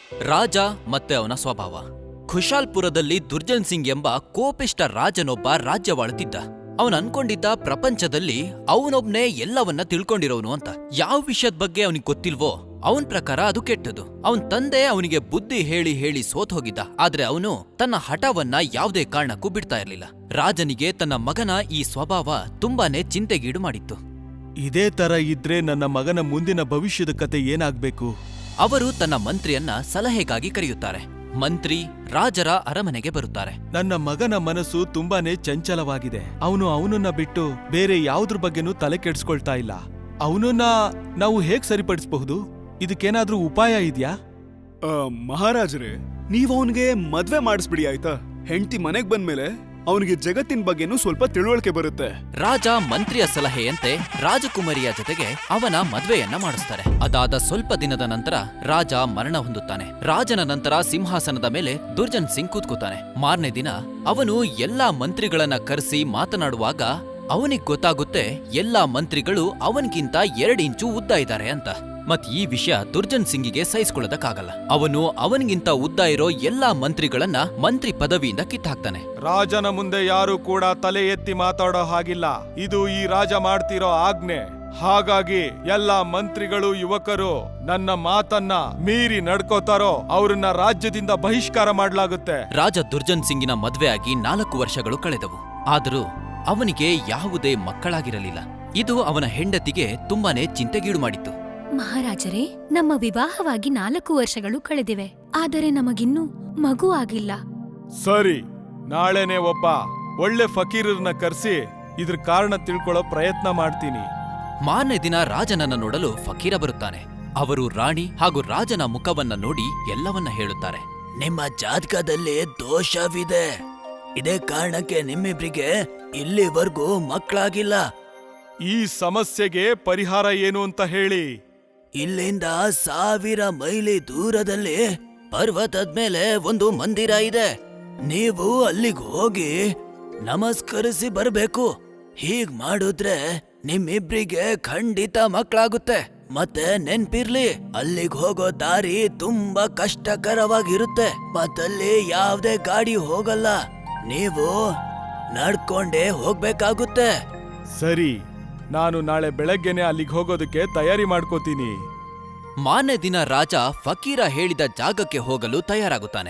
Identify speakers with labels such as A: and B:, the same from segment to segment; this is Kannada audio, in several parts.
A: ರಾಜ ಮತ್ತೆ ಅವನ ಸ್ವಭಾವ. ಖುಷಾಲ್ಪುರದಲ್ಲಿ ದುರ್ಜನ್ ಸಿಂಗ್ ಎಂಬ ಕೋಪಿಷ್ಟ ರಾಜನೊಬ್ಬ ರಾಜ್ಯವಾಳುತ್ತಿದ್ದ. ಅವನ್ ಅನ್ಕೊಂಡಿದ್ದ ಪ್ರಪಂಚದಲ್ಲಿ ಅವನೊಬ್ನೇ ಎಲ್ಲವನ್ನ ತಿಳ್ಕೊಂಡಿರೋನು ಅಂತ. ಯಾವ ವಿಷಯದ ಬಗ್ಗೆ ಅವನಿಗೆ ಗೊತ್ತಿಲ್ವೋ ಅವನ್ ಪ್ರಕಾರ ಅದು ಕೆಟ್ಟದು. ಅವನ್ ತಂದೆ ಅವನಿಗೆ ಬುದ್ಧಿ ಹೇಳಿ ಹೇಳಿ ಸೋತ್ ಹೋಗಿದ್ದ. ಆದ್ರೆ ಅವನು ತನ್ನ ಹಠವನ್ನ ಯಾವುದೇ ಕಾರಣಕ್ಕೂ ಬಿಡ್ತಾ ಇರ್ಲಿಲ್ಲ. ರಾಜನಿಗೆ ತನ್ನ ಮಗನ ಈ ಸ್ವಭಾವ ತುಂಬಾನೇ ಚಿಂತೆಗೀಡು ಮಾಡಿತ್ತು.
B: ಇದೇ ತರ ಇದ್ರೆ ನನ್ನ ಮಗನ ಮುಂದಿನ ಭವಿಷ್ಯದ ಕತೆ ಏನಾಗ್ಬೇಕು?
A: ಅವರು ತನ್ನ ಮಂತ್ರಿಯನ್ನ ಸಲಹೆಗಾಗಿ ಕರೆಯುತ್ತಾರೆ. ಮಂತ್ರಿ ರಾಜರ ಅರಮನೆಗೆ ಬರುತ್ತಾರೆ.
B: ನನ್ನ ಮಗನ ಮನಸ್ಸು ತುಂಬಾನೇ ಚಂಚಲವಾಗಿದೆ. ಅವನನ್ನ ಬಿಟ್ಟು ಬೇರೆ ಯಾವುದ್ರ ಬಗ್ಗೆನೂ ತಲೆ ಕೆಡ್ಸ್ಕೊಳ್ತಾ ಇಲ್ಲ. ಅವನನ್ನ ನಾವು ಹೇಗ್ ಸರಿಪಡಿಸಬಹುದು? ಇದಕ್ಕೇನಾದ್ರೂ ಉಪಾಯ ಇದ್ಯಾ?
C: ಮಹಾರಾಜರೇ, ನೀವ್ ಅವನ್ಗೆ ಮದ್ವೆ ಮಾಡಿಸ್ಬಿಡಿ ಆಯ್ತಾ? ಹೆಂಡತಿ ಮನೆಗ್ ಬಂದ್ಮೇಲೆ ಅವನಿಗೆ ಜಗತ್ತಿನ ಬಗ್ಗೆನೂ ಸ್ವಲ್ಪ ತಿಳುವಳಿಕೆ ಬರುತ್ತೆ.
A: ರಾಜ ಮಂತ್ರಿಯ ಸಲಹೆಯಂತೆ ರಾಜಕುಮಾರಿಯ ಜೊತೆಗೆ ಅವನ ಮದ್ವೆಯನ್ನ ಮಾಡಿಸ್ತಾರೆ. ಅದಾದ ಸ್ವಲ್ಪ ದಿನದ ನಂತರ ರಾಜ ಮರಣ ಹೊಂದುತ್ತಾನೆ. ರಾಜನ ನಂತರ ಸಿಂಹಾಸನದ ಮೇಲೆ ದುರ್ಜನ್ ಸಿಂಗ್ ಕೂತ್ಕೋತಾನೆ. ಮಾರನೇ ದಿನ ಅವನು ಎಲ್ಲಾ ಮಂತ್ರಿಗಳನ್ನ ಕರೆಸಿ ಮಾತನಾಡುವಾಗ ಅವನಿಗೆ ಗೊತ್ತಾಗುತ್ತೆ ಎಲ್ಲಾ ಮಂತ್ರಿಗಳು ಅವನ್ಗಿಂತ 2 ಇಂಚು ಉದ್ದ ಇದ್ದಾರೆ ಅಂತ. ಮತ್ ಈ ವಿಷಯ ದುರ್ಜನ್ ಸಿಂಗಿಗೆ ಸಹಿಸ್ಕೊಳ್ಳೋದಕ್ಕಾಗಲ್ಲ. ಅವನು ಅವನಿಗಿಂತ ಉದ್ದ ಇರೋ ಎಲ್ಲಾ ಮಂತ್ರಿಗಳನ್ನ ಮಂತ್ರಿ ಪದವಿಯಿಂದ ಕಿತ್ತಾಕ್ತಾನೆ.
B: ರಾಜನ ಮುಂದೆ ಯಾರು ಕೂಡ ತಲೆ ಎತ್ತಿ ಮಾತಾಡೋ ಹಾಗಿಲ್ಲ. ಇದು ಈ ರಾಜ ಮಾಡ್ತಿರೋ ಆಜ್ಞೆ. ಹಾಗಾಗಿ ಎಲ್ಲಾ ಮಂತ್ರಿಗಳು ಯುವಕರು ನನ್ನ ಮಾತನ್ನ ಮೀರಿ ನಡ್ಕೋತಾರೋ ಅವ್ರನ್ನ ರಾಜ್ಯದಿಂದ ಬಹಿಷ್ಕಾರ ಮಾಡ್ಲಾಗುತ್ತೆ.
A: ರಾಜ ದುರ್ಜನ್ ಸಿಂಗಿನ ಮದ್ವೆ ಆಗಿ 4 ವರ್ಷಗಳು ಕಳೆದವು. ಆದರೂ ಅವನಿಗೆ ಯಾವುದೇ ಮಕ್ಕಳಾಗಿರಲಿಲ್ಲ. ಇದು ಅವನ ಹೆಂಡತಿಗೆ ತುಂಬಾನೇ ಚಿಂತೆಗೀಡು ಮಾಡಿತ್ತು.
D: ಮಹಾರಾಜರೇ, ನಮ್ಮ ವಿವಾಹವಾಗಿ 4 ವರ್ಷಗಳು ಕಳೆದಿವೆ. ಆದರೆ ನಮಗಿನ್ನೂ ಮಗು ಆಗಿಲ್ಲ.
B: ಸರಿ, ನಾಳೆನೆ ಒಬ್ಬ ಒಳ್ಳೆ ಫಕೀರರನ್ನ ಕರ್ಸಿ ಇದ್ರ ಕಾರಣ ತಿಳ್ಕೊಳ್ಳೋ ಪ್ರಯತ್ನ ಮಾಡ್ತೀನಿ.
A: ಮಾರನೇ ದಿನ ರಾಜನನ್ನ ನೋಡಲು ಫಕೀರ ಬರುತ್ತಾನೆ. ಅವರು ರಾಣಿ ಹಾಗೂ ರಾಜನ ಮುಖವನ್ನ ನೋಡಿ ಎಲ್ಲವನ್ನ ಹೇಳುತ್ತಾರೆ. ನಿಮ್ಮ ಜಾತಕದಲ್ಲಿ ದೋಷವಿದೆ. ಇದೇ ಕಾರಣಕ್ಕೆ ನಿಮ್ಮಿಬ್ರಿಗೆ ಇಲ್ಲಿವರೆಗೂ ಮಕ್ಕಳಾಗಿಲ್ಲ.
B: ಈ ಸಮಸ್ಯೆಗೆ ಪರಿಹಾರ ಏನು ಅಂತ ಹೇಳಿ.
A: ಇಲ್ಲಿಂದ 1000 ಮೈಲಿ ದೂರದಲ್ಲಿ ಪರ್ವತದ ಮೇಲೆ ಒಂದು ಮಂದಿರ ಇದೆ. ನೀವು ಅಲ್ಲಿಗೆ ಹೋಗಿ ನಮಸ್ಕರಿಸಿ ಬರ್ಬೇಕು. ಹೀಗ್ ಮಾಡಿದ್ರೆ ನಿಮ್ಮಿಬ್ರಿಗೆ ಖಂಡಿತ ಮಕ್ಕಳಾಗುತ್ತೆ. ಮತ್ತೆ ನೆನ್ಪಿರ್ಲಿ, ಅಲ್ಲಿಗೆ ಹೋಗೋ ದಾರಿ ತುಂಬಾ ಕಷ್ಟಕರವಾಗಿರುತ್ತೆ. ಮತ್ತಲ್ಲಿ ಯಾವ್ದೇ ಗಾಡಿ ಹೋಗಲ್ಲ. ನೀವು ನಡ್ಕೊಂಡೇ ಹೋಗ್ಬೇಕಾಗುತ್ತೆ.
B: ಸರಿ, ನಾನು ನಾಳೆ ಬೆಳಗ್ಗೆನೆ ಅಲ್ಲಿಗೆ ಹೋಗೋದಕ್ಕೆ ತಯಾರಿ ಮಾಡ್ಕೋತೀನಿ.
A: ಮಾರನೇ ದಿನ ರಾಜ ಫಕೀರ ಹೇಳಿದ ಜಾಗಕ್ಕೆ ಹೋಗಲು ತಯಾರಾಗುತ್ತಾನೆ.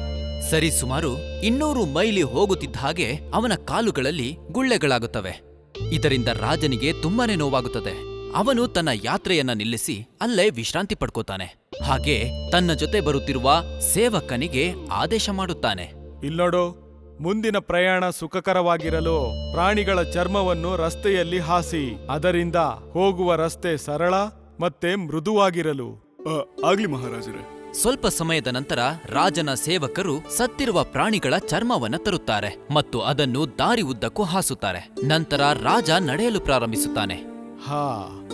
A: ಸರಿ ಸುಮಾರು 200 ಮೈಲಿ ಹೋಗುತ್ತಿದ್ದ ಹಾಗೆ ಅವನ ಕಾಲುಗಳಲ್ಲಿ ಗುಳ್ಳೆಗಳಾಗುತ್ತವೆ. ಇದರಿಂದ ರಾಜನಿಗೆ ತುಂಬಾನೇ ನೋವಾಗುತ್ತದೆ. ಅವನು ತನ್ನ ಯಾತ್ರೆಯನ್ನ ನಿಲ್ಲಿಸಿ ಅಲ್ಲೇ ವಿಶ್ರಾಂತಿ ಪಡ್ಕೋತಾನೆ. ಹಾಗೆ ತನ್ನ ಜೊತೆ ಬರುತ್ತಿರುವ ಸೇವಕನಿಗೆ ಆದೇಶ ಮಾಡುತ್ತಾನೆ.
B: ಇಲ್ನೋಡು, ಮುಂದಿನ ಪ್ರಯಾಣ ಸುಖಕರವಾಗಿರಲು ಪ್ರಾಣಿಗಳ ಚರ್ಮವನ್ನು ರಸ್ತೆಯಲ್ಲಿ ಹಾಸಿ. ಅದರಿಂದ ಹೋಗುವ ರಸ್ತೆ ಸರಳ ಮತ್ತೆ ಮೃದುವಾಗಿರಲು.
C: ಆಗ್ಲಿ ಮಹಾರಾಜರೇ.
A: ಸ್ವಲ್ಪ ಸಮಯದ ನಂತರ ರಾಜನ ಸೇವಕರು ಸತ್ತಿರುವ ಪ್ರಾಣಿಗಳ ಚರ್ಮವನ್ನ ತರುತ್ತಾರೆ ಮತ್ತು ಅದನ್ನು ದಾರಿ ಉದ್ದಕ್ಕೂ ಹಾಸುತ್ತಾರೆ. ನಂತರ ರಾಜ ನಡೆಯಲು ಪ್ರಾರಂಭಿಸುತ್ತಾನೆ.
B: ಹಾ,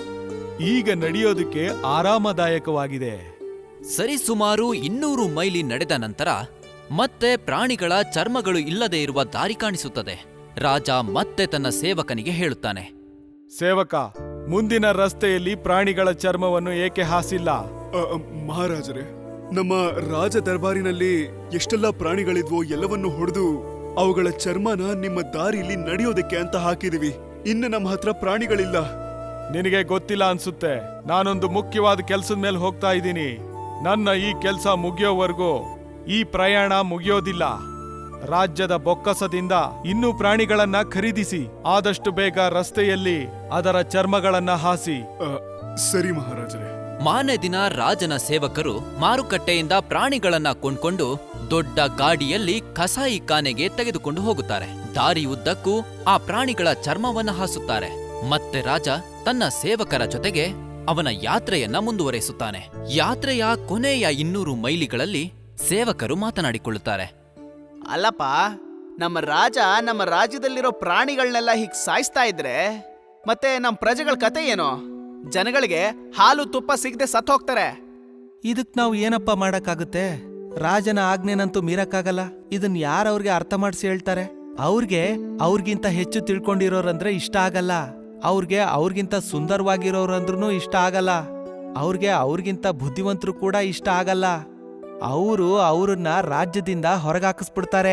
B: ಈಗ ನಡೆಯೋದಕ್ಕೆ ಆರಾಮದಾಯಕವಾಗಿದೆ.
A: ಸರಿಸುಮಾರು 200 ಮೈಲಿ ನಡೆದ ನಂತರ ಮತ್ತೆ ಪ್ರಾಣಿಗಳ ಚರ್ಮಗಳು ಇಲ್ಲದೆ ಇರುವ ದಾರಿ ಕಾಣಿಸುತ್ತದೆ. ರಾಜ ಮತ್ತೆ ತನ್ನ ಸೇವಕನಿಗೆ ಹೇಳುತ್ತಾನೆ.
B: ಸೇವಕ, ಮುಂದಿನ ರಸ್ತೆಯಲ್ಲಿ ಪ್ರಾಣಿಗಳ ಚರ್ಮವನ್ನು ಏಕೆ ಹಾಸಿಲ್ಲ?
C: ಮಹಾರಾಜರೇ, ನಮ್ಮ ರಾಜ ದರ್ಬಾರಿನಲ್ಲಿ ಎಷ್ಟೆಲ್ಲ ಪ್ರಾಣಿಗಳಿದ್ವೋ ಎಲ್ಲವನ್ನು ಹೊಡೆದು ಅವುಗಳ ಚರ್ಮನ ನಿಮ್ಮ ದಾರಿಲಿ ನಡೆಯೋದಕ್ಕೆ ಅಂತ ಹಾಕಿದೀವಿ. ಇನ್ನು ನಮ್ಮ ಹತ್ರ ಪ್ರಾಣಿಗಳಿಲ್ಲ.
B: ನಿನಗೆ ಗೊತ್ತಿಲ್ಲ ಅನ್ಸುತ್ತೆ. ನಾನೊಂದು ಮುಖ್ಯವಾದ ಕೆಲ್ಸದ ಮೇಲೆ ಹೋಗ್ತಾ ಇದ್ದೀನಿ. ನನ್ನ ಈ ಕೆಲ್ಸ ಮುಗಿಯೋವರೆಗೂ ಈ ಪ್ರಯಾಣ ಮುಗಿಯೋದಿಲ್ಲ. ರಾಜ್ಯದ ಬೊಕ್ಕಸದಿಂದ ಇನ್ನೂ ಪ್ರಾಣಿಗಳನ್ನ ಖರೀದಿಸಿ ಆದಷ್ಟು ಬೇಗ ರಸ್ತೆಯಲ್ಲಿ ಅದರ ಚರ್ಮಗಳನ್ನ ಹಾಸಿ.
C: ಸರಿ ಮಹಾರಾಜರೇ.
A: ಮಾರನೇ ದಿನ ರಾಜನ ಸೇವಕರು ಮಾರುಕಟ್ಟೆಯಿಂದ ಪ್ರಾಣಿಗಳನ್ನ ಕೊಂಡ್ಕೊಂಡು ದೊಡ್ಡ ಗಾಡಿಯಲ್ಲಿ ಕಸಾಯಿ ಖಾನೆಗೆ ತೆಗೆದುಕೊಂಡು ಹೋಗುತ್ತಾರೆ. ದಾರಿ ಉದ್ದಕ್ಕೂ ಆ ಪ್ರಾಣಿಗಳ ಚರ್ಮವನ್ನ ಹಾಸುತ್ತಾರೆ. ಮತ್ತೆ ರಾಜ ತನ್ನ ಸೇವಕರ ಜೊತೆಗೆ ಅವನ ಯಾತ್ರೆಯನ್ನ ಮುಂದುವರೆಸುತ್ತಾನೆ. ಯಾತ್ರೆಯ ಕೊನೆಯ 200 ಮೈಲಿಗಳಲ್ಲಿ ಸೇವಕರು ಮಾತನಾಡಿಕೊಳ್ಳುತ್ತಾರೆ.
E: ಅಲ್ಲಪ್ಪ, ನಮ್ಮ ರಾಜ ನಮ್ಮ ರಾಜ್ಯದಲ್ಲಿರೋ ಪ್ರಾಣಿಗಳನ್ನೆಲ್ಲ ಹೀಗ್ ಸಾಯಿಸ್ತಾ ಇದ್ರೆ ಮತ್ತೆ ನಮ್ಮ ಪ್ರಜೆಗಳ ಕತೆ ಏನೋ? ಜನಗಳಿಗೆ ಹಾಲು ತುಪ್ಪ ಸಿಗದೆ ಸತ್ತು ಹೋಗ್ತಾರೆ.
F: ಇದಕ್ ನಾವು ಏನಪ್ಪ ಮಾಡಕ್ಕಾಗುತ್ತೆ? ರಾಜನ ಆಜ್ಞೆನಂತೂ ಮೀರಕ್ಕಾಗಲ್ಲ. ಇದನ್ ಯಾರವ್ರಿಗೆ ಅರ್ಥ ಮಾಡಿಸಿ ಹೇಳ್ತಾರೆ? ಅವ್ರಿಗಿಂತ ಹೆಚ್ಚು ತಿಳ್ಕೊಂಡಿರೋರಂದ್ರೆ ಇಷ್ಟ ಆಗಲ್ಲ. ಅವ್ರಿಗಿಂತ ಸುಂದರವಾಗಿರೋರಂದ್ರೂ ಇಷ್ಟ ಆಗಲ್ಲ. ಅವ್ರಿಗಿಂತ ಬುದ್ಧಿವಂತರು ಕೂಡ ಇಷ್ಟ ಆಗಲ್ಲ. ಅವ್ರನ್ನ ರಾಜ್ಯದಿಂದ ಹೊರಗಾಕಿಸ್ಬಿಡ್ತಾರೆ.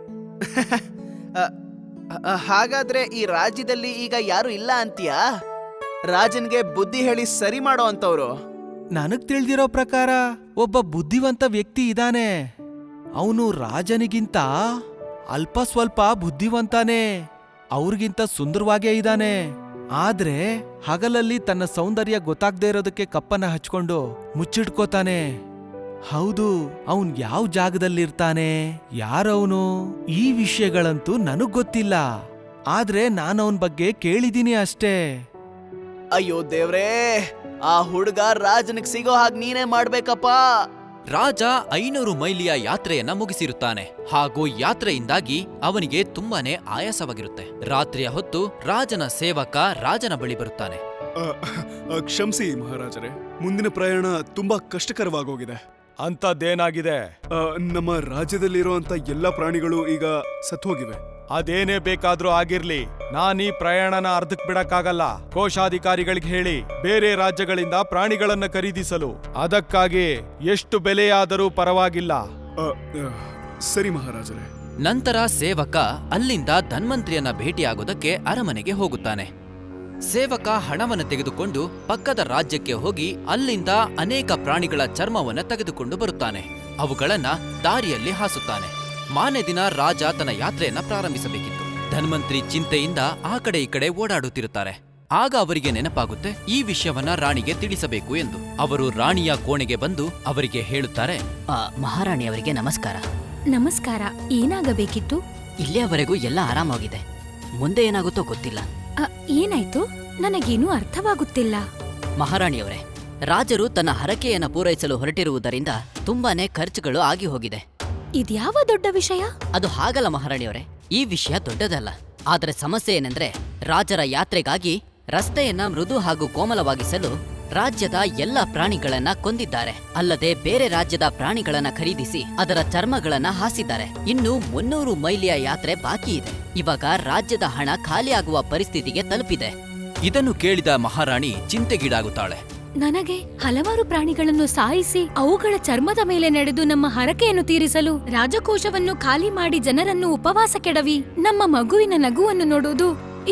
E: ಹಾಗಾದ್ರೆ ಈ ರಾಜ್ಯದಲ್ಲಿ ಈಗ ಯಾರು ಇಲ್ಲ ಅಂತೀಯಾ? ರಾಜನ್ಗೆ ಬುದ್ಧಿ ಹೇಳಿ ಸರಿ ಮಾಡೋ ಅಂತವ್ರು?
F: ನನಗ್ ತಿಳಿದಿರೋ ಪ್ರಕಾರ ಒಬ್ಬ ಬುದ್ಧಿವಂತ ವ್ಯಕ್ತಿ ಇದಾನೆ. ಅವನು ರಾಜನಿಗಿಂತ ಅಲ್ಪ ಸ್ವಲ್ಪ ಬುದ್ಧಿವಂತಾನೆ, ಅವ್ರಿಗಿಂತ ಸುಂದರವಾಗೇ ಇದ್ದಾನೆ. ಆದ್ರೆ ಹಗಲಲ್ಲಿ ತನ್ನ ಸೌಂದರ್ಯ ಗೊತ್ತಾಗ್ದೇ ಇರೋದಕ್ಕೆ ಕಪ್ಪನ್ನ ಹಚ್ಕೊಂಡು ಮುಚ್ಚಿಡ್ಕೋತಾನೆ. ಹೌದು, ಅವನ್ ಯಾವ ಜಾಗದಲ್ಲಿರ್ತಾನೆ, ಯಾರವನು, ಈ ವಿಷಯಗಳಂತೂ ನನಗ್ ಗೊತ್ತಿಲ್ಲ. ಆದ್ರೆ ನಾನವನ್ ಬಗ್ಗೆ ಕೇಳಿದೀನಿ ಅಷ್ಟೇ.
E: ಅಯ್ಯೋ ದೇವ್ರೇ, ಆ ಹುಡುಗ ರಾಜನಿಗೆ ಸಿಗೋ ಹಾಗೆ ನೀನೇ ಮಾಡ್ಬೇಕಪ್ಪ.
A: ರಾಜ 500 ಮೈಲಿಯ ಯಾತ್ರೆಯನ್ನ ಮುಗಿಸಿರುತ್ತಾನೆ ಹಾಗೂ ಯಾತ್ರೆಯಿಂದಾಗಿ ಅವನಿಗೆ ತುಂಬಾನೇ ಆಯಾಸವಾಗಿರುತ್ತೆ. ರಾತ್ರಿಯ ಹೊತ್ತು ರಾಜನ ಸೇವಕ ರಾಜನ ಬಳಿ ಬರುತ್ತಾನೆ.
C: ಕ್ಷಮಿಸಿ ಮಹಾರಾಜರೇ, ಮುಂದಿನ ಪ್ರಯಾಣ ತುಂಬಾ ಕಷ್ಟಕರವಾಗೋಗಿದೆ.
B: ಅಂಥದ್ದೇನಾಗಿದೆ?
C: ನಮ್ಮ ರಾಜ್ಯದಲ್ಲಿರುವಂತ ಎಲ್ಲಾ ಪ್ರಾಣಿಗಳು ಈಗ ಸತ್ತೋಗಿವೆ.
B: ಅದೇನೇ ಬೇಕಾದ್ರೂ ಆಗಿರ್ಲಿ, ನಾನೀ ಪ್ರಯಾಣನ ಅರ್ಧಕ್ ಬಿಡಕ್ಕಾಗಲ್ಲ. ಕೋಶಾಧಿಕಾರಿಗಳಿಗೆ ಹೇಳಿ ಬೇರೆ ರಾಜ್ಯಗಳಿಂದ ಪ್ರಾಣಿಗಳನ್ನ ಖರೀದಿಸಲು. ಅದಕ್ಕಾಗಿ ಎಷ್ಟು ಬೆಲೆಯಾದರೂ ಪರವಾಗಿಲ್ಲ.
C: ಸರಿ ಮಹಾರಾಜರೇ.
A: ನಂತರ ಸೇವಕ ಅಲ್ಲಿಂದ ಧನ್ವಂತ್ರಿಯನ್ನ ಭೇಟಿಯಾಗೋದಕ್ಕೆ ಅರಮನೆಗೆ ಹೋಗುತ್ತಾನೆ. ಸೇವಕ ಹಣವನ್ನು ತೆಗೆದುಕೊಂಡು ಪಕ್ಕದ ರಾಜ್ಯಕ್ಕೆ ಹೋಗಿ ಅಲ್ಲಿಂದ ಅನೇಕ ಪ್ರಾಣಿಗಳ ಚರ್ಮವನ್ನ ತೆಗೆದುಕೊಂಡು ಬರುತ್ತಾನೆ. ಅವುಗಳನ್ನ ದಾರಿಯಲ್ಲಿ ಹಾಸುತ್ತಾನೆ. ಮಾರನೇ ದಿನ ರಾಜ ತನ್ನ ಯಾತ್ರೆಯನ್ನ ಪ್ರಾರಂಭಿಸಬೇಕಿತ್ತು. ಧನ್ವಂತ್ರಿ ಚಿಂತೆಯಿಂದ ಆ ಕಡೆ ಈ ಕಡೆ ಓಡಾಡುತ್ತಿರುತ್ತಾರೆ. ಆಗ ಅವರಿಗೆ ನೆನಪಾಗುತ್ತೆ ಈ ವಿಷಯವನ್ನ ರಾಣಿಗೆ ತಿಳಿಸಬೇಕು ಎಂದು. ಅವರು ರಾಣಿಯ ಕೋಣೆಗೆ ಬಂದು ಅವರಿಗೆ ಹೇಳುತ್ತಾರೆ,
G: ಮಹಾರಾಣಿಯವರಿಗೆ ನಮಸ್ಕಾರ.
D: ನಮಸ್ಕಾರ. ಏನಾಗಬೇಕಿತ್ತು?
G: ಇಲ್ಲಿಯವರೆಗೂ ಎಲ್ಲ ಆರಾಮಾಗಿದೆ. ಮುಂದೆ ಏನಾಗುತ್ತೋ ಗೊತ್ತಿಲ್ಲ.
D: ಏನಾಯ್ತು? ನನಗೇನೂ ಅರ್ಥವಾಗುತ್ತಿಲ್ಲ.
G: ಮಹಾರಾಣಿಯವರೇ, ರಾಜರು ತನ್ನ ಹರಕೆಯನ್ನು ಪೂರೈಸಲು ಹೊರಟಿರುವುದರಿಂದ ತುಂಬಾನೇ ಖರ್ಚುಗಳು ಆಗಿ ಹೋಗಿದೆ.
D: ಇದ್ಯಾವ ದೊಡ್ಡ ವಿಷಯ?
G: ಅದು ಹಾಗಲ್ಲ ಮಹಾರಾಣಿಯವರೇ, ಈ ವಿಷಯ ದೊಡ್ಡದಲ್ಲ. ಆದರೆ ಸಮಸ್ಯೆ ಏನೆಂದ್ರೆ, ರಾಜರ ಯಾತ್ರೆಗಾಗಿ ರಸ್ತೆಯನ್ನ ಮೃದು ಹಾಗೂ ಕೋಮಲವಾಗಿಸಲು ರಾಜ್ಯದ ಎಲ್ಲ ಪ್ರಾಣಿಗಳನ್ನ ಕೊಂದಿದ್ದಾರೆ. ಅಲ್ಲದೆ ಬೇರೆ ರಾಜ್ಯದ ಪ್ರಾಣಿಗಳನ್ನ ಖರೀದಿಸಿ ಅದರ ಚರ್ಮಗಳನ್ನ ಹಾಸಿದ್ದಾರೆ. ಇನ್ನು 300 ಮೈಲಿಯ ಯಾತ್ರೆ ಬಾಕಿ ಇದೆ. ಇವಾಗ ರಾಜ್ಯದ ಹಣ ಖಾಲಿಯಾಗುವ ಪರಿಸ್ಥಿತಿಗೆ ತಲುಪಿದೆ.
A: ಇದನ್ನು ಕೇಳಿದ ಮಹಾರಾಣಿ ಚಿಂತೆಗೀಡಾಗುತ್ತಾಳೆ.
D: ನನಗೆ ಹಲವಾರು ಪ್ರಾಣಿಗಳನ್ನು ಸಾಯಿಸಿ ಅವುಗಳ ಚರ್ಮದ ಮೇಲೆ ನಡೆದು ನಮ್ಮ ಹರಕೆಯನ್ನು ತೀರಿಸಲು ರಾಜಕೋಶವನ್ನು ಖಾಲಿ ಮಾಡಿ ಜನರನ್ನು ಉಪವಾಸ ಕೆಡವಿ ನಮ್ಮ ಮಗುವಿನ ನಗುವನ್ನು ನೋಡುವುದು,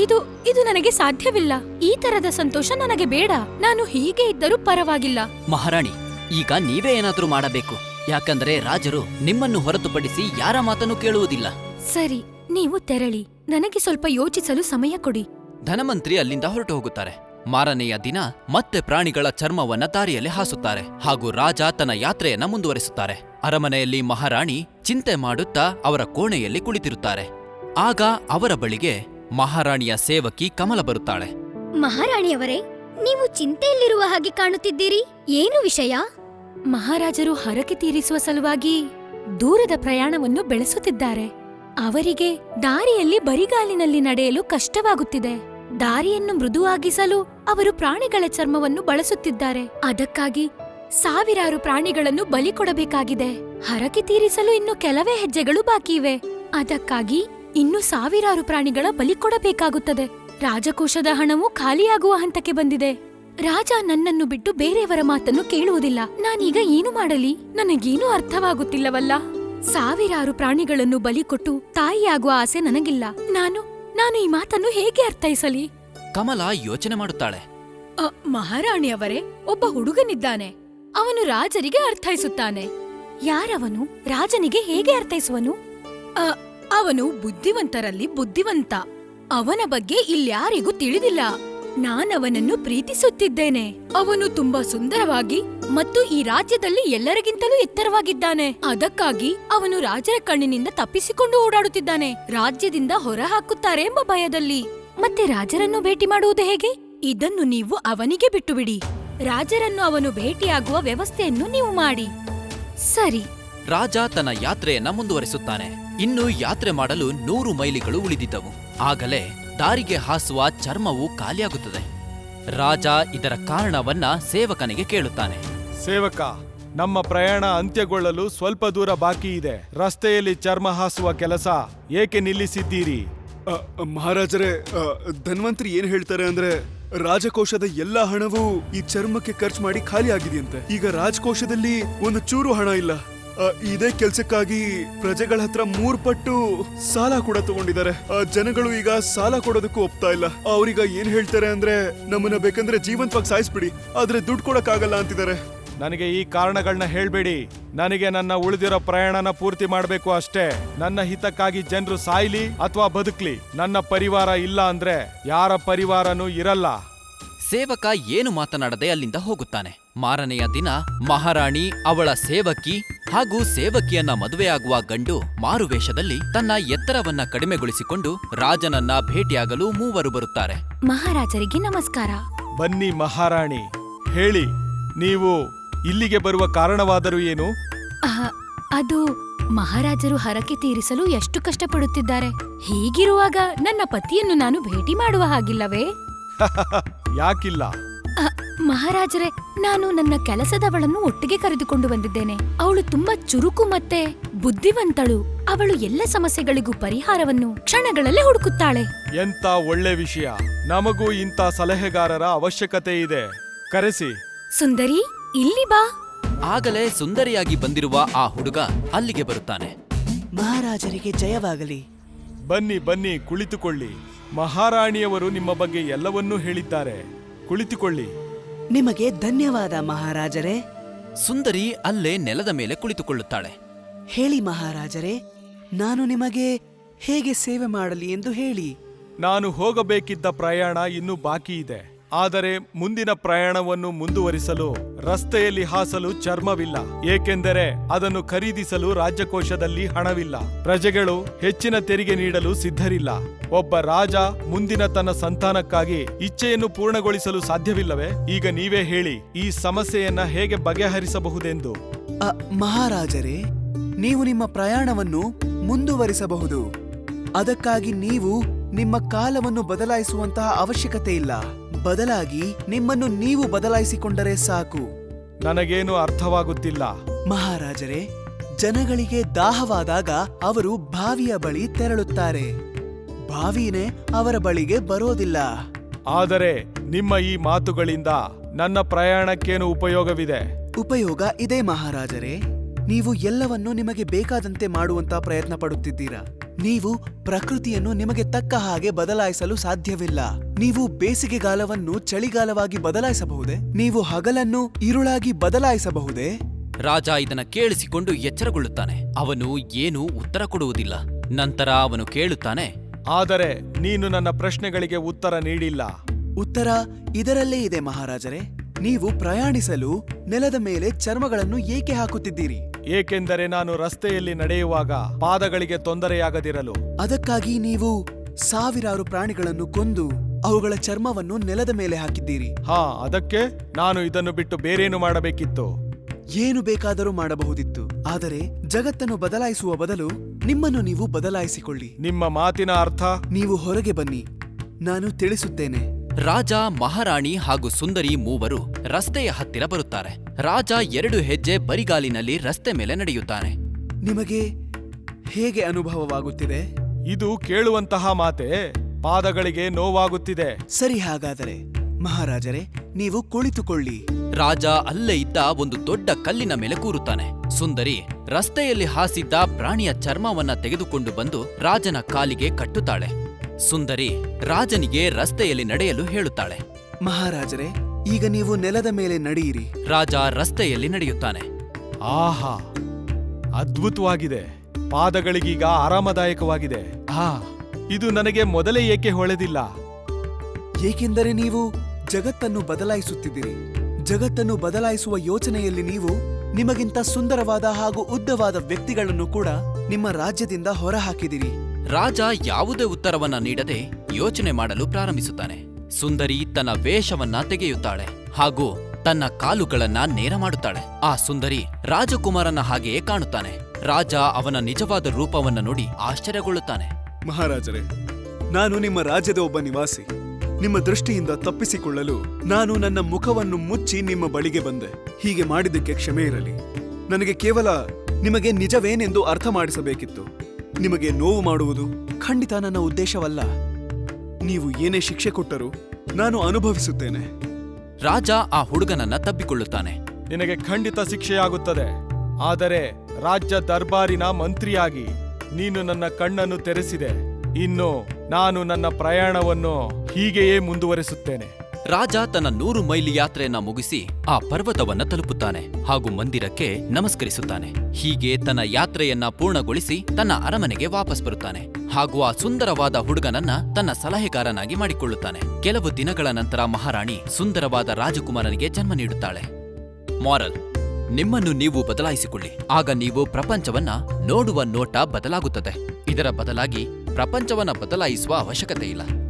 D: ಇದು ನನಗೆ ಸಾಧ್ಯವಿಲ್ಲ. ಈ ತರದ ಸಂತೋಷ ನನಗೆ ಬೇಡ. ನಾನು ಹೀಗೆ ಇದ್ದರೂ ಪರವಾಗಿಲ್ಲ.
G: ಮಹಾರಾಣಿ, ಈಗ ನೀವೇ ಏನಾದ್ರೂ ಮಾಡಬೇಕು. ಯಾಕಂದ್ರೆ ರಾಜರು ನಿಮ್ಮನ್ನು ಹೊರತುಪಡಿಸಿ ಯಾರ ಮಾತನ್ನು ಕೇಳುವುದಿಲ್ಲ.
D: ಸರಿ, ನೀವು ತೆರಳಿ. ನನಗೆ ಸ್ವಲ್ಪ ಯೋಚಿಸಲು ಸಮಯ ಕೊಡಿ.
A: ಧನವಂತ್ರಿ ಅಲ್ಲಿಂದ ಹೊರಟು ಹೋಗುತ್ತಾರೆ. ಮಾರನೆಯ ದಿನ ಮತ್ತೆ ಪ್ರಾಣಿಗಳ ಚರ್ಮವನ್ನ ದಾರಿಯಲ್ಲಿ ಹಾಸುತ್ತಾರೆ ಹಾಗೂ ರಾಜ ತನ್ನ ಯಾತ್ರೆಯನ್ನ ಮುಂದುವರಿಸುತ್ತಾರೆ. ಅರಮನೆಯಲ್ಲಿ ಮಹಾರಾಣಿ ಚಿಂತೆ ಮಾಡುತ್ತಾ ಅವರ ಕೋಣೆಯಲ್ಲಿ ಕುಳಿತಿರುತ್ತಾರೆ. ಆಗ ಅವರ ಬಳಿಗೆ ಮಹಾರಾಣಿಯ ಸೇವಕಿ ಕಮಲ ಬರುತ್ತಾಳೆ.
H: ಮಹಾರಾಣಿಯವರೇ, ನೀವು ಚಿಂತೆಯಲ್ಲಿರುವ ಹಾಗೆ ಕಾಣುತ್ತಿದ್ದೀರಿ. ಏನು ವಿಷಯ?
D: ಮಹಾರಾಜರು ಹರಕೆ ತೀರಿಸುವ ಸಲುವಾಗಿ ದೂರದ ಪ್ರಯಾಣವನ್ನು ಬೆಳೆಸುತ್ತಿದ್ದಾರೆ. ಅವರಿಗೆ ದಾರಿಯಲ್ಲಿ ಬರಿಗಾಲಿನಲ್ಲಿ ನಡೆಯಲು ಕಷ್ಟವಾಗುತ್ತಿದೆ. ದಾರಿಯನ್ನು ಮೃದುವಾಗಿಸಲು ಅವರು ಪ್ರಾಣಿಗಳ ಚರ್ಮವನ್ನು ಬಳಸುತ್ತಿದ್ದಾರೆ. ಅದಕ್ಕಾಗಿ ಸಾವಿರಾರು ಪ್ರಾಣಿಗಳನ್ನು ಬಲಿ ಕೊಡಬೇಕಾಗಿದೆ. ಹರಕೆ ತೀರಿಸಲು ಇನ್ನು ಕೆಲವೇ ಹೆಜ್ಜೆಗಳು ಬಾಕಿ ಇವೆ. ಅದಕ್ಕಾಗಿ ಇನ್ನು ಸಾವಿರಾರು ಪ್ರಾಣಿಗಳ ಬಲಿ ಕೊಡಬೇಕಾಗುತ್ತದೆ. ರಾಜಕೋಶದ ಹಣವು ಖಾಲಿಯಾಗುವ ಹಂತಕ್ಕೆ ಬಂದಿದೆ. ರಾಜ ನನ್ನನ್ನು ಬಿಟ್ಟು ಬೇರೆಯವರ ಮಾತನ್ನು ಕೇಳುವುದಿಲ್ಲ. ನಾನೀಗ ಏನು ಮಾಡಲಿ? ನನಗೇನೂ ಅರ್ಥವಾಗುತ್ತಿಲ್ಲವಲ್ಲ. ಸಾವಿರಾರು ಪ್ರಾಣಿಗಳನ್ನು ಬಲಿ ಕೊಟ್ಟು ತಾಯಿಯಾಗುವ ಆಸೆ ನನಗಿಲ್ಲ. ನಾನು ಈ ಮಾತನ್ನು ಹೇಗೆ ಅರ್ಥೈಸಲಿ?
A: ಕಮಲ ಯೋಚನೆ ಮಾಡುತ್ತಾಳೆ.
D: ಮಹಾರಾಣಿಯವರೇ, ಒಬ್ಬ ಹುಡುಗನಿದ್ದಾನೆ. ಅವನು ರಾಜರಿಗೆ ಅರ್ಥೈಸುತ್ತಾನೆ. ಯಾರವನು? ರಾಜನಿಗೆ ಹೇಗೆ ಅರ್ಥೈಸುವನು? ಅವನು ಬುದ್ಧಿವಂತರಲ್ಲಿ ಬುದ್ಧಿವಂತ. ಅವನ ಬಗ್ಗೆ ಇಲ್ಯಾರಿಗೂ ತಿಳಿದಿಲ್ಲ. ನಾನವನನ್ನು ಪ್ರೀತಿಸುತ್ತಿದ್ದೇನೆ. ಅವನು ತುಂಬಾ ಸುಂದರವಾಗಿ ಮತ್ತು ಈ ರಾಜ್ಯದಲ್ಲಿ ಎಲ್ಲರಿಗಿಂತಲೂ ಎತ್ತರವಾಗಿದ್ದಾನೆ. ಅದಕ್ಕಾಗಿ ಅವನು ರಾಜರ ಕಣ್ಣಿನಿಂದ ತಪ್ಪಿಸಿಕೊಂಡು ಓಡಾಡುತ್ತಿದ್ದಾನೆ. ರಾಜ್ಯದಿಂದ ಹೊರ ಹಾಕುತ್ತಾರೆ ಎಂಬ ಭಯದಲ್ಲಿ. ಮತ್ತೆ ರಾಜರನ್ನು ಭೇಟಿ ಮಾಡುವುದು ಹೇಗೆ? ಇದನ್ನು ನೀವು ಅವನಿಗೆ ಬಿಟ್ಟು ಬಿಡಿ. ರಾಜರನ್ನು ಅವನು ಭೇಟಿಯಾಗುವ ವ್ಯವಸ್ಥೆಯನ್ನು ನೀವು ಮಾಡಿ. ಸರಿ.
A: ರಾಜ ತನ್ನ ಯಾತ್ರೆಯನ್ನ ಮುಂದುವರಿಸುತ್ತಾನೆ. ಇನ್ನು ಯಾತ್ರೆ ಮಾಡಲು 100 ಮೈಲಿಗಳು ಉಳಿದಿದ್ದವು. ಆಗಲೇ ದಾರಿಗೆ ಹಾಸುವ ಚರ್ಮವು ಖಾಲಿಯಾಗುತ್ತದೆ. ರಾಜ ಇದರ ಕಾರಣವನ್ನ ಸೇವಕನಿಗೆ ಕೇಳುತ್ತಾನೆ.
B: ಸೇವಕ, ನಮ್ಮ ಪ್ರಯಾಣ ಅಂತ್ಯಗೊಳ್ಳಲು ಸ್ವಲ್ಪ ದೂರ ಬಾಕಿ ಇದೆ. ರಸ್ತೆಯಲ್ಲಿ ಚರ್ಮ ಹಾಸುವ ಕೆಲಸ ಏಕೆ ನಿಲ್ಲಿಸಿದ್ದೀರಿ?
C: ಮಹಾರಾಜರೇ, ಧನ್ವಂತ್ರಿ ಏನ್ ಹೇಳ್ತಾರೆ ಅಂದ್ರೆ, ರಾಜಕೋಶದ ಎಲ್ಲಾ ಹಣವು ಈ ಚರ್ಮಕ್ಕೆ ಖರ್ಚು ಮಾಡಿ ಖಾಲಿ ಆಗಿದೆಯಂತೆ. ಈಗ ರಾಜಕೋಶದಲ್ಲಿ ಒಂದು ಚೂರು ಹಣ ಇಲ್ಲ. ಇದೇ ಕೆಲ್ಸಕ್ಕಾಗಿ ಪ್ರಜೆಗಳ ಹತ್ರ 3 ಪಟ್ಟು ಸಾಲ ಕೂಡ ತಗೊಂಡಿದ್ದಾರೆ. ಜನಗಳು ಈಗ ಸಾಲ ಕೊಡೋದಕ್ಕೂ ಒಪ್ತಾ ಇಲ್ಲ. ಅವ್ರೀಗ ಏನ್ ಹೇಳ್ತಾರೆ ಅಂದ್ರೆ, ನಮ್ಮನ್ನ ಬೇಕಂದ್ರೆ ಜೀವಂತವಾಗಿ ಸಾಯಿಸ್ಬಿಡಿ, ಆದ್ರೆ ದುಡ್ಡು ಕೊಡಕ್ಕಾಗಲ್ಲ ಅಂತಿದ್ದಾರೆ.
B: ನನಗೆ ಈ ಕಾರಣಗಳನ್ನ ಹೇಳ್ಬೇಡಿ. ನನಗೆ ನನ್ನ ಉಳಿದಿರೋ ಪ್ರಯಾಣನ ಪೂರ್ತಿ ಮಾಡಬೇಕು ಅಷ್ಟೇ. ನನ್ನ ಹಿತಕ್ಕಾಗಿ ಜನರು ಸಾಯ್ಲಿ ಅಥವಾ ಬದುಕ್ಲಿ, ನನ್ನ ಪರಿವಾರ ಇಲ್ಲ ಅಂದ್ರೆ ಯಾರ ಪರಿವಾರನೂ ಇರಲ್ಲ.
A: ಸೇವಕ ಏನು ಮಾತನಾಡದೆ ಅಲ್ಲಿಂದ ಹೋಗುತ್ತಾನೆ. ಮಾರನೆಯ ದಿನ ಮಹಾರಾಣಿ, ಅವಳ ಸೇವಕಿ ಹಾಗೂ ಸೇವಕಿಯನ್ನ ಮದುವೆಯಾಗುವ ಗಂಡು ಮಾರುವೇಷದಲ್ಲಿ ತನ್ನ ಎತ್ತರವನ್ನ ಕಡಿಮೆಗೊಳಿಸಿಕೊಂಡು ರಾಜನನ್ನ ಭೇಟಿಯಾಗಲು ಮೂವರು ಬರುತ್ತಾರೆ.
D: ಮಹಾರಾಜರಿಗೆ ನಮಸ್ಕಾರ.
B: ಬನ್ನಿ ಮಹಾರಾಣಿ, ಹೇಳಿ, ನೀವು ಇಲ್ಲಿಗೆ ಬರುವ ಕಾರಣವಾದರೂ ಏನು?
D: ಅದು ಮಹಾರಾಜರು ಹರಕೆ ತೀರಿಸಲು ಎಷ್ಟು ಕಷ್ಟಪಡುತ್ತಿದ್ದಾರೆ. ಹೀಗಿರುವಾಗ ನನ್ನ ಪತಿಯನ್ನು ನಾನು ಭೇಟಿ ಮಾಡುವ ಹಾಗಿಲ್ಲವೇ?
B: ಯಾಕಿಲ್ಲ?
D: ಮಹಾರಾಜರೇ, ನಾನು ನನ್ನ ಕೆಲಸದವಳನ್ನು ಒಟ್ಟಿಗೆ ಕರೆದುಕೊಂಡು ಬಂದಿದ್ದೇನೆ. ಅವಳು ತುಂಬಾ ಚುರುಕು ಮತ್ತೆ ಬುದ್ಧಿವಂತಳು. ಅವಳು ಎಲ್ಲ ಸಮಸ್ಯೆಗಳಿಗೂ ಪರಿಹಾರವನ್ನು ಕ್ಷಣಗಳಲ್ಲೇ ಹುಡುಕುತ್ತಾಳೆ.
B: ಎಂತ ಒಳ್ಳೆ ವಿಷಯ. ನಮಗೂ ಇಂಥ ಸಲಹೆಗಾರರ ಅವಶ್ಯಕತೆ ಇದೆ. ಕರೆಸಿ.
D: ಸುಂದರಿ, ಇಲ್ಲಿ ಬಾ.
A: ಆಗಲೇ ಸುಂದರಿಯಾಗಿ ಬಂದಿರುವ ಆ ಹುಡುಗ ಅಲ್ಲಿಗೆ ಬರುತ್ತಾನೆ.
E: ಮಹಾರಾಜರಿಗೆ ಜಯವಾಗಲಿ.
B: ಬನ್ನಿ ಬನ್ನಿ, ಕುಳಿತುಕೊಳ್ಳಿ. ಮಹಾರಾಣಿಯವರು ನಿಮ್ಮ ಬಗ್ಗೆ ಎಲ್ಲವನ್ನೂ ಹೇಳಿದ್ದಾರೆ. ಕುಳಿತುಕೊಳ್ಳಿ.
E: ನಿಮಗೆ ಧನ್ಯವಾದ ಮಹಾರಾಜರೇ.
A: ಸುಂದರಿ ಅಲ್ಲೇ ನೆಲದ ಮೇಲೆ ಕುಳಿತುಕೊಳ್ಳುತ್ತಾಳೆ.
E: ಹೇಳಿ ಮಹಾರಾಜರೇ, ನಾನು ನಿಮಗೆ ಹೇಗೆ ಸೇವೆ ಮಾಡಲಿ ಎಂದು ಹೇಳಿ.
B: ನಾನು ಹೋಗಬೇಕಿದ್ದ ಪ್ರಯಾಣ ಇನ್ನೂ ಬಾಕಿ ಇದೆ. ಆದರೆ ಮುಂದಿನ ಪ್ರಯಾಣವನ್ನು ಮುಂದುವರಿಸಲು ರಸ್ತೆಯಲ್ಲಿ ಹಾಸಲು ಚರ್ಮವಿಲ್ಲ. ಏಕೆಂದರೆ ಅದನ್ನು ಖರೀದಿಸಲು ರಾಜ್ಯಕೋಶದಲ್ಲಿ ಹಣವಿಲ್ಲ. ಪ್ರಜೆಗಳು ಹೆಚ್ಚಿನ ತೆರಿಗೆ ನೀಡಲು ಸಿದ್ಧರಿಲ್ಲ. ಒಬ್ಬ ರಾಜ ಮುಂದಿನ ತನ್ನ ಸಂತಾನಕ್ಕಾಗಿ ಇಚ್ಛೆಯನ್ನು ಪೂರ್ಣಗೊಳಿಸಲು ಸಾಧ್ಯವಿಲ್ಲವೇ? ಈಗ ನೀವೇ ಹೇಳಿ, ಈ ಸಮಸ್ಯೆಯನ್ನ ಹೇಗೆ ಬಗೆಹರಿಸಬಹುದೆಂದು.
E: ಮಹಾರಾಜರೇ, ನೀವು ನಿಮ್ಮ ಪ್ರಯಾಣವನ್ನು ಮುಂದುವರಿಸಬಹುದು. ಅದಕ್ಕಾಗಿ ನೀವು ನಿಮ್ಮ ಕಾಲವನ್ನು ಬದಲಾಯಿಸುವಂತಹ ಅವಶ್ಯಕತೆ ಇಲ್ಲ. ಬದಲಾಗಿ ನಿಮ್ಮನ್ನು ನೀವು ಬದಲಾಯಿಸಿಕೊಂಡರೆ ಸಾಕು.
B: ನನಗೇನು ಅರ್ಥವಾಗುತ್ತಿಲ್ಲ.
E: ಮಹಾರಾಜರೇ, ಜನಗಳಿಗೆ ದಾಹವಾದಾಗ ಅವರು ಬಾವಿಯ ಬಳಿ ತೆರಳುತ್ತಾರೆ. ಬಾವಿನೇ ಅವರ ಬಳಿಗೆ ಬರೋದಿಲ್ಲ.
B: ಆದರೆ ನಿಮ್ಮ ಈ ಮಾತುಗಳಿಂದ ನನ್ನ ಪ್ರಯಾಣಕ್ಕೇನು ಉಪಯೋಗವಿದೆ?
E: ಉಪಯೋಗ ಇದೆ ಮಹಾರಾಜರೇ. ನೀವು ಎಲ್ಲವನ್ನೂ ನಿಮಗೆ ಬೇಕಾದಂತೆ ಮಾಡುವಂತ ಪ್ರಯತ್ನ ಪಡುತ್ತಿದ್ದೀರಾ. ನೀವು ಪ್ರಕೃತಿಯನ್ನು ನಿಮಗೆ ತಕ್ಕ ಹಾಗೆ ಬದಲಾಯಿಸಲು ಸಾಧ್ಯವಿಲ್ಲ. ನೀವು ಬೇಸಿಗೆಗಾಲವನ್ನು ಚಳಿಗಾಲವಾಗಿ ಬದಲಾಯಿಸಬಹುದೇ? ನೀವು ಹಗಲನ್ನು ಇರುಳಾಗಿ ಬದಲಾಯಿಸಬಹುದೇ?
A: ರಾಜ ಇದನ್ನ ಕೇಳಿಸಿಕೊಂಡು ಎಚ್ಚರಗೊಳ್ಳುತ್ತಾನೆ. ಅವನು ಏನೂ ಉತ್ತರ ಕೊಡುವುದಿಲ್ಲ. ನಂತರ ಅವನು ಕೇಳುತ್ತಾನೆ,
B: ಆದರೆ ನೀನು ನನ್ನ ಪ್ರಶ್ನೆಗಳಿಗೆ ಉತ್ತರ ನೀಡಿಲ್ಲ.
E: ಉತ್ತರ ಇದರಲ್ಲೇ ಇದೆ ಮಹಾರಾಜರೇ. ನೀವು ಪ್ರಯಾಣಿಸಲು ನೆಲದ ಮೇಲೆ ಚರ್ಮಗಳನ್ನು ಏಕೆ ಹಾಕುತ್ತಿದ್ದೀರಿ?
B: ಏಕೆಂದರೆ ನಾನು ರಸ್ತೆಯಲ್ಲಿ ನಡೆಯುವಾಗ ಪಾದಗಳಿಗೆ ತೊಂದರೆಯಾಗದಿರಲು.
E: ಅದಕ್ಕಾಗಿ ನೀವು ಸಾವಿರಾರು ಪ್ರಾಣಿಗಳನ್ನು ಕೊಂದು ಅವುಗಳ ಚರ್ಮವನ್ನು ನೆಲದ ಮೇಲೆ ಹಾಕಿದ್ದೀರಿ.
B: ಅದಕ್ಕೆ ನಾನು ಇದನ್ನು ಬಿಟ್ಟು ಬೇರೇನು ಮಾಡಬೇಕಿತ್ತು?
E: ಏನು ಬೇಕಾದರೂ ಮಾಡಬಹುದಿತ್ತು. ಆದರೆ ಜಗತ್ತನ್ನು ಬದಲಾಯಿಸುವ ಬದಲು ನಿಮ್ಮನ್ನು ನೀವು ಬದಲಾಯಿಸಿಕೊಳ್ಳಿ.
B: ನಿಮ್ಮ ಮಾತಿನ ಅರ್ಥ?
E: ನೀವು ಹೊರಗೆ ಬನ್ನಿ, ನಾನು ತಿಳಿಸುತ್ತೇನೆ.
A: ರಾಜ, ಮಹಾರಾಣಿ ಹಾಗೂ ಸುಂದರಿ ಮೂವರು ರಸ್ತೆಯ ಹತ್ತಿರ ಬರುತ್ತಾರೆ. ರಾಜ 2 ಹೆಜ್ಜೆ ಬರಿಗಾಲಿನಲ್ಲಿ ರಸ್ತೆ ಮೇಲೆ ನಡೆಯುತ್ತಾನೆ.
E: ನಿಮಗೆ ಹೇಗೆ ಅನುಭವವಾಗುತ್ತಿದೆ?
B: ಇದು ಕೇಳುವಂತಹ ಮಾತೆ. ಪಾದಗಳಿಗೆ ನೋವಾಗುತ್ತಿದೆ.
E: ಸರಿ, ಹಾಗಾದರೆ ಮಹಾರಾಜರೇ, ನೀವು ಕುಳಿತುಕೊಳ್ಳಿ.
A: ರಾಜ ಅಲ್ಲೇ ಇದ್ದ ಒಂದು ದೊಡ್ಡ ಕಲ್ಲಿನ ಮೇಲೆ ಕೂರುತ್ತಾನೆ. ಸುಂದರಿ ರಸ್ತೆಯಲ್ಲಿ ಹಾಸಿದ್ದ ಪ್ರಾಣಿಯ ಚರ್ಮವನ್ನ ತೆಗೆದುಕೊಂಡು ಬಂದು ರಾಜನ ಕಾಲಿಗೆ ಕಟ್ಟುತ್ತಾಳೆ. ಸುಂದರಿ ರಾಜನಿಗೆ ರಸ್ತೆಯಲ್ಲಿ ನಡೆಯಲು ಹೇಳುತ್ತಾಳೆ.
E: ಮಹಾರಾಜರೇ, ಈಗ ನೀವು ನೆಲದ ಮೇಲೆ ನಡೆಯಿರಿ.
A: ರಾಜ ರಸ್ತೆಯಲ್ಲಿ ನಡೆಯುತ್ತಾನೆ.
B: ಆಹಾ, ಅದ್ಭುತವಾಗಿದೆ. ಪಾದಗಳಿಗೀಗ ಆರಾಮದಾಯಕವಾಗಿದೆ. ಇದು ನನಗೆ ಮೊದಲೇ ಏಕೆ ಹೊಳೆದಿಲ್ಲ?
E: ಏಕೆಂದರೆ ನೀವು ಜಗತ್ತನ್ನು ಬದಲಾಯಿಸುತ್ತಿದ್ದೀರಿ. ಜಗತ್ತನ್ನು ಬದಲಾಯಿಸುವ ಯೋಚನೆಯಲ್ಲಿ ನೀವು ನಿಮಗಿಂತ ಸುಂದರವಾದ ಹಾಗೂ ಉದ್ದವಾದ ವ್ಯಕ್ತಿಗಳನ್ನು ಕೂಡ ನಿಮ್ಮ ರಾಜ್ಯದಿಂದ ಹೊರಹಾಕಿದಿರಿ.
A: ರಾಜ ಯಾವುದೇ ಉತ್ತರವನ್ನ ನೀಡದೆ ಯೋಚನೆ ಮಾಡಲು ಪ್ರಾರಂಭಿಸುತ್ತಾನೆ. ಸುಂದರಿ ತನ್ನ ವೇಷವನ್ನ ತೆಗೆಯುತ್ತಾಳೆ ಹಾಗೂ ತನ್ನ ಕಾಲುಗಳನ್ನ ನೇರ ಮಾಡುತ್ತಾಳೆ. ಆ ಸುಂದರಿ ರಾಜಕುಮಾರನ ಹಾಗೆಯೇ ಕಾಣುತ್ತಾನೆ. ರಾಜ ಅವನ ನಿಜವಾದ ರೂಪವನ್ನ ನೋಡಿ ಆಶ್ಚರ್ಯಗೊಳ್ಳುತ್ತಾನೆ.
C: ಮಹಾರಾಜರೇ, ನಾನು ನಿಮ್ಮ ರಾಜ್ಯದ ಒಬ್ಬ ನಿವಾಸಿ. ನಿಮ್ಮ ದೃಷ್ಟಿಯಿಂದ ತಪ್ಪಿಸಿಕೊಳ್ಳಲು ನಾನು ನನ್ನ ಮುಖವನ್ನು ಮುಚ್ಚಿ ನಿಮ್ಮ ಬಳಿಗೆ ಬಂದೆ. ಹೀಗೆ ಮಾಡಿದ್ದಕ್ಕೆ ಕ್ಷಮೆ ಇರಲಿ. ನನಗೆ ಕೇವಲ ನಿಮಗೆ ನಿಜವೇನೆಂದು ಅರ್ಥ ಮಾಡಿಸಬೇಕಿತ್ತು. ನಿಮಗೆ ನೋವು ಮಾಡುವುದು ಖಂಡಿತ ನನ್ನ ಉದ್ದೇಶವಲ್ಲ. ನೀವು ಏನೇ ಶಿಕ್ಷೆ ಕೊಟ್ಟರೂ ನಾನು ಅನುಭವಿಸುತ್ತೇನೆ.
A: ರಾಜ ಆ ಹುಡುಗನನ್ನ ತಬ್ಬಿಕೊಳ್ಳುತ್ತಾನೆ.
B: ನಿನಗೆ ಖಂಡಿತ ಶಿಕ್ಷೆಯಾಗುತ್ತದೆ. ಆದರೆ ರಾಜ್ಯ ದರ್ಬಾರಿನ ಮಂತ್ರಿಯಾಗಿ ನೀನು ನನ್ನ ಕಣ್ಣನ್ನು ತೆರೆಸಿದೆ. ಇನ್ನು ನಾನು ನನ್ನ ಪ್ರಯಾಣವನ್ನು ಹೀಗೆಯೇ ಮುಂದುವರಿಸುತ್ತೇನೆ.
A: ರಾಜ ತನ್ನ 100 ಮೈಲಿ ಯಾತ್ರೆಯನ್ನ ಮುಗಿಸಿ ಆ ಪರ್ವತವನ್ನ ತಲುಪುತ್ತಾನೆ ಹಾಗೂ ಮಂದಿರಕ್ಕೆ ನಮಸ್ಕರಿಸುತ್ತಾನೆ. ಹೀಗೆ ತನ್ನ ಯಾತ್ರೆಯನ್ನ ಪೂರ್ಣಗೊಳಿಸಿ ತನ್ನ ಅರಮನೆಗೆ ವಾಪಸ್ ಬರುತ್ತಾನೆ ಹಾಗೂ ಆ ಸುಂದರವಾದ ಹುಡುಗನನ್ನ ತನ್ನ ಸಲಹೆಗಾರನಾಗಿ ಮಾಡಿಕೊಳ್ಳುತ್ತಾನೆ. ಕೆಲವು ದಿನಗಳ ನಂತರ ಮಹಾರಾಣಿ ಸುಂದರವಾದ ರಾಜಕುಮಾರನಿಗೆ ಜನ್ಮ ನೀಡುತ್ತಾಳೆ. ಮಾರಲ್: ನಿಮ್ಮನ್ನು ನೀವು ಬದಲಾಯಿಸಿಕೊಳ್ಳಿ, ಆಗ ನೀವು ಪ್ರಪಂಚವನ್ನ ನೋಡುವ ನೋಟ ಬದಲಾಗುತ್ತದೆ. ಇದರ ಬದಲಾಗಿ ಪ್ರಪಂಚವನ್ನ ಬದಲಾಯಿಸುವ ಅವಶ್ಯಕತೆ ಇಲ್ಲ.